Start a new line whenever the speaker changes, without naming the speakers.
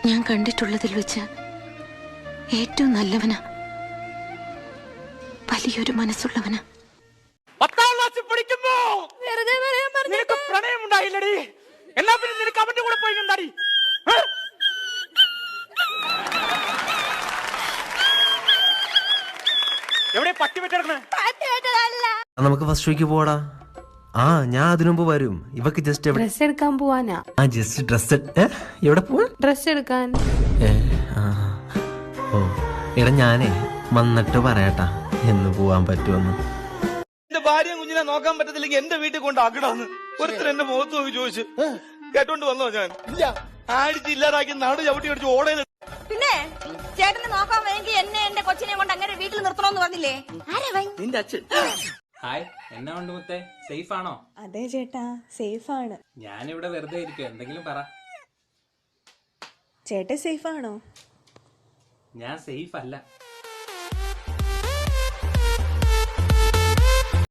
ഞാൻ കണ്ടിട്ടുള്ളതിൽ വെച്ച് ഏറ്റവും നല്ലവനാ, വലിയൊരു മനസ്സുള്ളവനാ.
10ാം ക്ലാസ്സിൽ പഠിക്കുമ്പോ നിനക്ക് പ്രണയം ഉണ്ടായില്ലടി, എല്ലാ പിന്നെ നിനക്ക് അവന്റെ കൂടെ പോയി എന്താടി? എവിടെ പട്ടി വെച്ചെടുക്കണേ?
നമുക്ക് ഫസ്റ്റ് ഷോയ്ക്ക് പോടാ. ആ ഞാൻ അതിനു മുമ്പ് വരും. ഇവക്ക് ജസ്റ്റ്
ഡ്രസ് എടുക്കാൻ പോവാനാ.
ആ ജസ്റ്റ് ഡ്രസ് എവിടെ പോവാ?
ഡ്രസ് എടുക്കാൻ.
ഓ എടാ ഞാനേ വന്നിട്ട് പറയാട്ടാ എന്ന് പോവാൻ പറ്റുമെന്ന്.
എന്റെ ഭാര്യയും കുഞ്ഞിനെ നോക്കാൻ പറ്റത്തില്ലെങ്കിൽ എന്റെ വീട്ടിൽ കൊണ്ടാക്കണമെന്ന് ഒരുത്തർ എന്റെ മുഖത്ത് നോക്കി ചോദിച്ചു. കേട്ടോണ്ട് വന്നോ ഞാൻ? ഇല്ല, ആടിച്ച് ഇല്ലാതാക്കി നാട് ചവിട്ടി അടിച്ച് ഓടയിൽ.
പിന്നെ ചേട്ടന് നോക്കാൻ വേണ്ടി എന്നെ എന്റെ കൊച്ചിനെ കൊണ്ട് അങ്ങനെ വീട്ടിൽ നിർത്തണമെന്ന് പറഞ്ഞില്ലേ?
നിന്റെ അച്ഛൻ.
ഹായ്, എന്നാ ഉണ്ട് മുത്തേ? സേഫ് ആണോ?
അതെ ചേട്ടാ, സേഫ് ആണ്.
ഞാനിവിടെ വെറുതെ ഇരിക്കുക, എന്തെങ്കിലും പറ.
ചേട്ടൻ സേഫ് ആണോ?
ഞാൻ സേഫ് അല്ല.